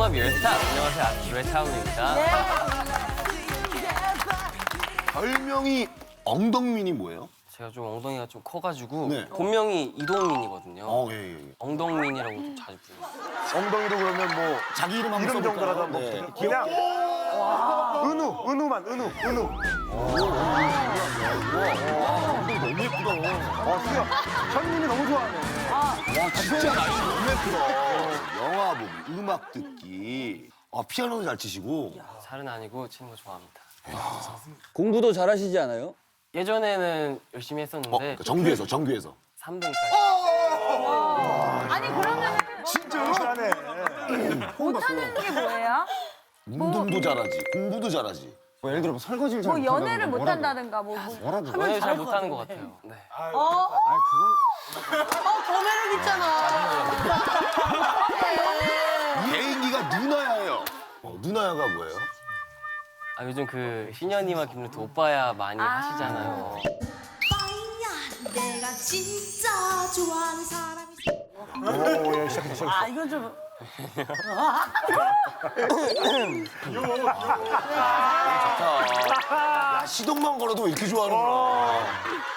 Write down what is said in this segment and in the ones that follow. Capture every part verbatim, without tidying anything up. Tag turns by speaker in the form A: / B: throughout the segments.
A: 융합 열차. 안녕하세요, 아키로의 차은우입니다.
B: 별명이 엉덩민이 뭐예요?
A: 제가 좀 엉덩이가 좀 커가지고
B: 네.
A: 본명이 이동민이거든요.
B: 어, 예, 예. 예.
A: 엉덩민이라고 좀 자주 불러요.
C: 엉덩이도 그러면 뭐
B: 자기 이름 한번
C: 이름 정도라도 한번
B: 네.
C: 부탁- 그냥 은우, 은우만, 은우, 은우.
B: 엉덩이 너무 예쁘다.
C: 어, 수영. 현님이 너무 좋아하네.
B: 와, 진짜 날씨 너무 예쁘다. 영화 보기, 음악 듣기. 아, 피아노도 잘 치시고.
A: 잘은 아니고 치는 거 좋아합니다.
D: 공부도 잘하시지 않아요?
A: 예전에는 열심히
B: 어,
A: 했었는데
B: 그러니까 정규에서, 정규에서.
A: 삼 등까지.
E: 아니 그러면은
C: 진짜 잘하네.
E: 못하는 게 뭐예요?
B: 운동도 잘하지, 공부도 잘하지.
F: 뭐 예를 들어 뭐 설거지를 잘
E: 뭐
F: 못한다든가
E: 연애를
F: 뭐라도.
E: 못한다든가 뭐, 뭐
F: 뭐라도.
E: 하면
A: 연애 잘
E: 잘할 것
A: 못하는 것
E: 같은데.
A: 같아요. 네.
E: 어?
F: 아니 그건
E: 더 매력 있잖아.
B: 개인기가 누나야예요. 어, 누나야가 뭐예요?
A: 아 요즘 그 신현이와 김루트 오빠야 많이
E: 아.
A: 하시잖아요.
G: 빵야 내가 진짜 좋아하는 사람이
C: 오, 예, 시작했다, 시작했다.
E: 아 이건 좀
B: 야, 시동만 걸어도 왜 이렇게 좋아하는구나.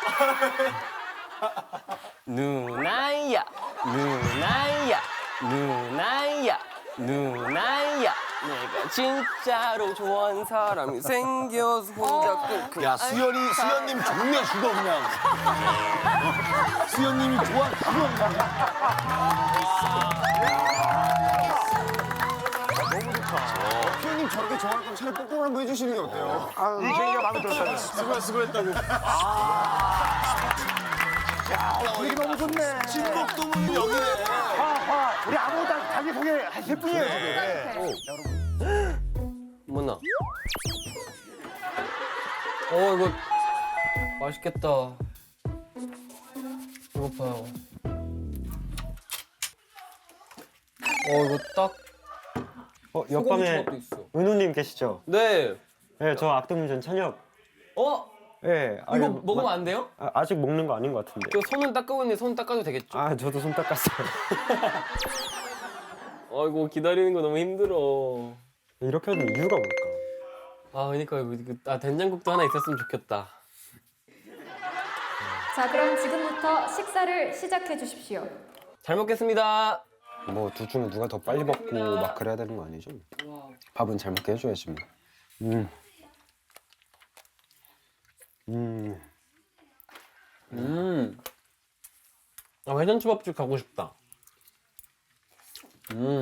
A: 누나야, 누나야, 누나야, 누나야. 내가 진짜로 좋아하는 사람이 생겨서 혼자 끙끙.
B: 야, 수연이, 수연님 좋네, 죽어, 그냥. 어, 수연님이 좋아, 죽어, 그냥.
F: 표현님 저렇게 좋아할 거면 차라리 뽀뽀를 한번 해주시는 게 어때요?
C: 이 개인기가 마음에 들었다네.
F: 수고 수고했다고.
C: 분위기 너무 좋네.
B: 진목도문은 여기네.
C: 화, 화. 우리 아무도 다 자기 소개하실 뿐이에요, 지금.
A: 뭐나? 어 이거 맛있겠다. 배고파요. 어 이거 딱
H: 어,
A: 소고기
H: 옆방에
A: 초밥도 있어.
H: 은우님 계시죠?
A: 네.
H: 네, 저 악동문전 찬혁.
A: 어
H: 네,
A: 이거
H: 아니,
A: 먹으면
H: 마-
A: 안 돼요?
H: 아, 아직 먹는 거 아닌 것 같은데.
A: 저 손은 닦고 있는데 손 닦아도 되겠죠?
H: 아, 저도 손 닦았어요.
A: 아이고 기다리는 거 너무 힘들어.
H: 이렇게 하는 이유가 뭘까?
A: 아 그러니까 이거 이거- 아 된장국도 하나 있었으면 좋겠다.
I: 자, 그럼 지금부터 식사를 시작해 주십시오.
A: 잘 먹겠습니다.
F: 뭐 둘 중에 누가 더 빨리 먹고 막 그래야 되는 거 아니죠? 밥은 잘 먹게 해줘야지 뭐.
H: 음. 음.
A: 음. 아 회전초밥집 가고 싶다. 음.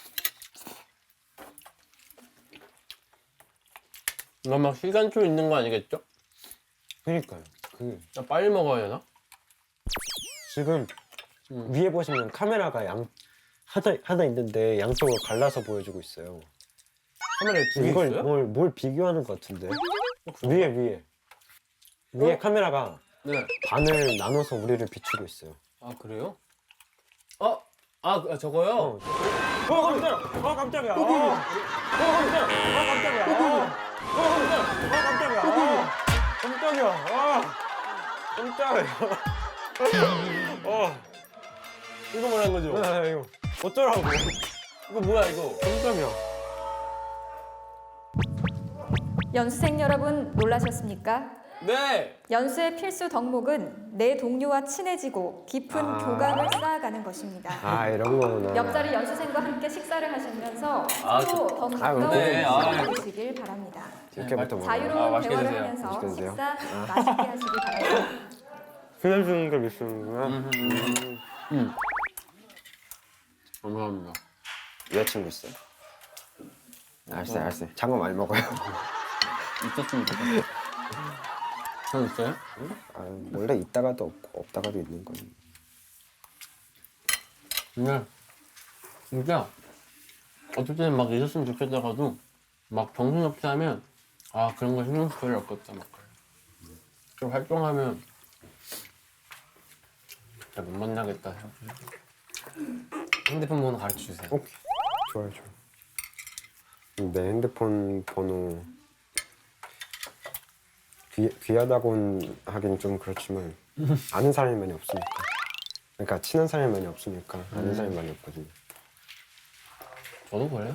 A: 이거 막 시간초 있는 거 아니겠죠?
F: 그러니까요. 그
A: 나 빨리 먹어야 되나?
H: 지금
A: 음.
H: 위에 보시면 카메라가 양 하나 하나 있는데 양쪽으로 갈라서 보여주고 있어요.
A: 카메라에 두 개
H: 이걸
A: 있어요?
H: 뭘, 뭘 비교하는 것 같은데? 위에 위에 위에 카메라가
A: 네.
H: 반을 나눠서 우리를 비추고 있어요.
A: 아 그래요? 어? 아 그- 저거요?
H: 어, 어 깜짝이야! 어 깜짝이야! 어, 어 깜짝이야! 어 깜짝이야! 어, 어 깜짝이야! 어 깜짝이야! 어 깜짝이야! 어
A: 이거 뭐라는 거죠?
H: 아, 이거 어쩌라고?
A: 이거 뭐야 이거?
H: 깜짝이야!
I: 연수생 여러분 놀라셨습니까?
A: 네!
I: 연수의 필수 덕목은 내 동료와 친해지고 깊은
H: 아.
I: 교감을 쌓아가는 것입니다.
H: 아 이런 거구나.
I: 옆자리 연수생과 함께 식사를 하시면서
A: 아,
I: 서로 더
H: 아,
I: 가까운
A: 네, 아.
I: 인연을 주시길 바랍니다.
H: 이렇게부터 먹어.
I: 자유로운
A: 아, 맛있게
I: 대화를
A: 드세요.
I: 하면서
H: 맛있게 드세요.
I: 식사 맛있게 하시길 바랍니다.
H: 수면 주는 걸 있으는구나.
A: 음. 감사합니다.
F: 여자친구 있어요? 알았어요, 알았어요. 장어 많이 먹어요.
A: 있었으면 좋겠다. 전 있어요?
F: 아, 원래 있다가도 없고 없다가도 있는 거니.
A: 근데 진짜 어떨 때는 막 있었으면 좋겠다가도 막 정신없이 하면 아 그런 거 신경 쓸 필요 없겠다 막 그래. 좀 활동하면 진짜 못 만나겠다 생각해. 핸드폰 번호 가르쳐 주세요.
H: 오케이. 좋아요, 좋아요. 내 핸드폰 번호 귀, 귀하다고는 하긴 좀 그렇지만 아는 사람이 많이 없으니까. 그러니까 친한 사람이 많이 없으니까 아는 사람이 많이 없거든요.
A: 저도 그래요?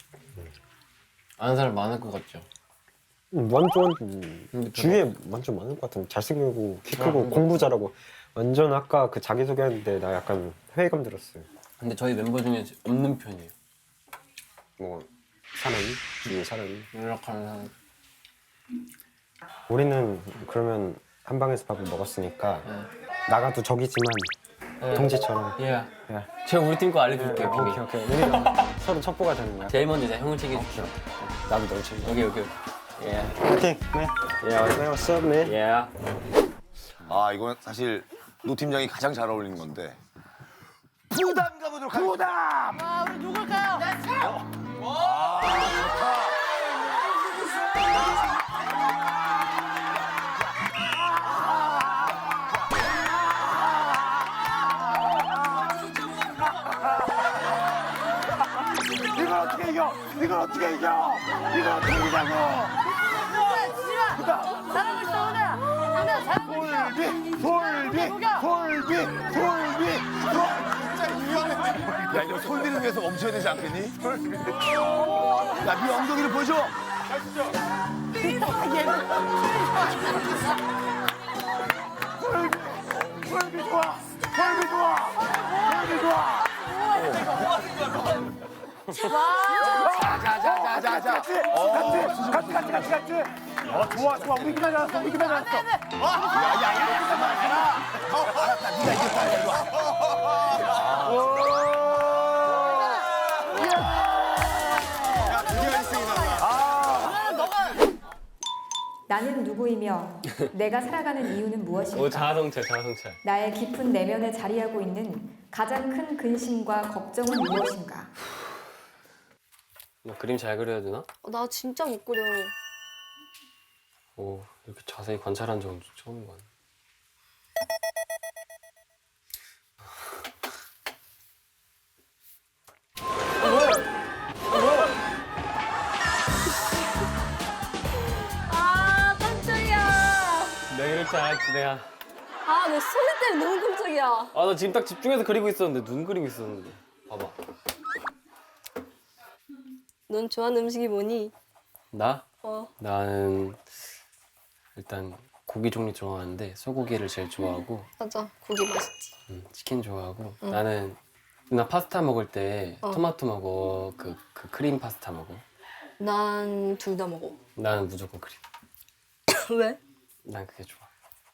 A: 아는 사람 많을 것 같죠?
F: 음, 완전 음,
A: 근데
F: 주위에 완전 많을 것 같은데 잘생기고 키 크고
A: 아,
F: 공부 잘하고 완전 아까 그 자기소개하는데 나 약간 회의감 들었어요.
A: 근데 저희 멤버 중에 없는 편이에요.
F: 뭐 사람이 주위에 사람이
A: 연락하는 사람.
F: 우리는 그러면 한 방에서 밥을 먹었으니까
A: 네.
F: 나가도 적이지만
A: 네.
F: 동지처럼
A: 예.
F: 야.
A: 제가 우리 팀 거 알려드릴게요. 비밀.
F: 오케이 오케이 우리가 서로 첩보가 되는 거야.
A: 제일 먼저 제가 형을 챙겨줄게요.
F: 나도 널 챙겨.
A: 여기 여기. 예.
F: 오케이 네. 야 what's up man?
A: 예.
B: 아 이건 사실 노 팀장이 가장 잘 어울리는 건데 부담 가보도록 하겠습니다.
C: 부담.
E: 아, 우리 누굴까요?
C: 이걸 어떻게 이겨? 이걸 어떻게 이겨? 이걸 어떻게 이기냐고?
E: 지마! 잘하고 있어, 오늘! 오늘 잘하고 있어!
C: 솔비, 솔비, 솔비, 솔비,
B: 야 이거 솔비를 위해서 멈춰야 되지 않겠니? 야네 엉덩이를 보여줘.
C: 솔비 좋아, 솔비 좋아, 솔비 좋아.
B: 자자자자자.
C: 같이, 같이, 같이, 같이, 같이, 같이. 어, 좋아, 좋아. 우리 기다렸어 우리 기다렸어
B: 야야야 그만해라. 어 알았다. 네가 이겼다. 이리 와. 야 드디어 일 승이 나왔다.
I: 나는 누구이며 내가 살아가는 이유는
A: 오
I: 무엇일까?
A: 자아성찰 자아성찰.
I: 나의 깊은 내면에 자리하고 있는 가장 큰 근심과 걱정은 무엇인가?
A: 나 그림 잘 그려야 되나?
E: 나 진짜 못 그려.
A: 오 이렇게 자세히 관찰한 적은 처음인 것 같네.
E: 아, 깜짝이야.
A: 내가 이럴 줄 알았지 내가.
E: 아, 내 소리 때문에 너무 깜짝이야.
A: 아 나 지금 딱 집중해서 그리고 있었는데 눈 그리고 있었는데. 봐봐.
E: 넌 좋아하는 음식이 뭐니?
A: 나?
E: 어.
A: 나는 일단 고기 종류 좋아하는데 소고기를 제일 좋아하고
E: 맞아, 고기 맛있지.
A: 음, 치킨 좋아하고
E: 응.
A: 나는 나 파스타 먹을 때
E: 어.
A: 토마토 먹어 그, 그 크림 파스타 먹어.
E: 난 둘 다 먹어.
A: 나는 무조건 크림.
E: 왜?
A: 난 그게 좋아.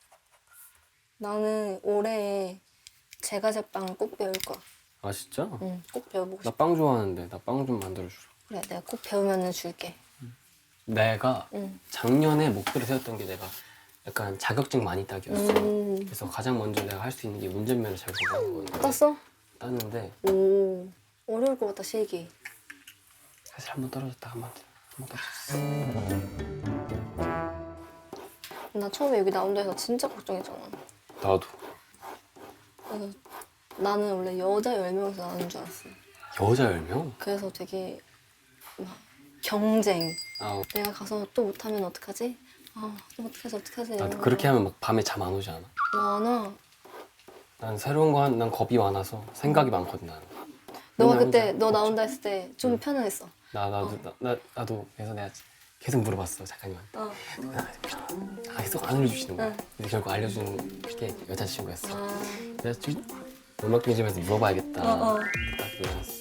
E: 나는 올해 제과제빵을 꼭 배울 거야.
A: 아 진짜?
E: 응, 꼭 배워보고
A: 나
E: 싶어.
A: 빵 좋아하는데 나 빵 좀 만들어주라.
E: 그래, 내가 꼭 배우면 줄게.
A: 내가
E: 응.
A: 작년에 목표를 세웠던 게 내가 약간 자격증 많이 따기였어.
E: 음,
A: 그래서 가장 먼저 내가 할 수 있는 게 운전면허 잘 보는 거였는데
E: 땄어?
A: 땄는데
E: 오, 어려울 것 같다, 실기.
A: 사실 한 번 떨어졌다 한 번 한 번 떨어졌어.
E: 나 처음에 여기 나온다 해서 진짜 걱정했잖아.
A: 나도.
E: 그래서 나는 원래 여자 열 명에서 나오는 줄 알았어.
A: 여자 열 명?
E: 그래서 되게 막 경쟁.
A: 아
E: 내가 가서 또 못하면 어떡하지? 아, 또 어떡하지, 어떡하지?
A: 나도 그렇게 하면 막 밤에 잠 안 오지 않아?
E: 많아.
A: 난 새로운 거 한 난 겁이 많아서 생각이 많거든 나는.
E: 너가
A: 맨날
E: 그때
A: 혼자
E: 너
A: 걱정.
E: 나온다 했을 때 좀 편안했어.
A: 나 나도 나, 나 나도 그래서 내가 계속 물어봤어 작가님한테.
E: 어.
A: 아, 계속 안 알려주시는 거야.
E: 응.
A: 근데 결국 알려주는 게 여자친구였어.
E: 아,
A: 그래서 좀 음악 중심에서 물어봐야겠다.
E: 어, 어.
A: 딱 일어났어.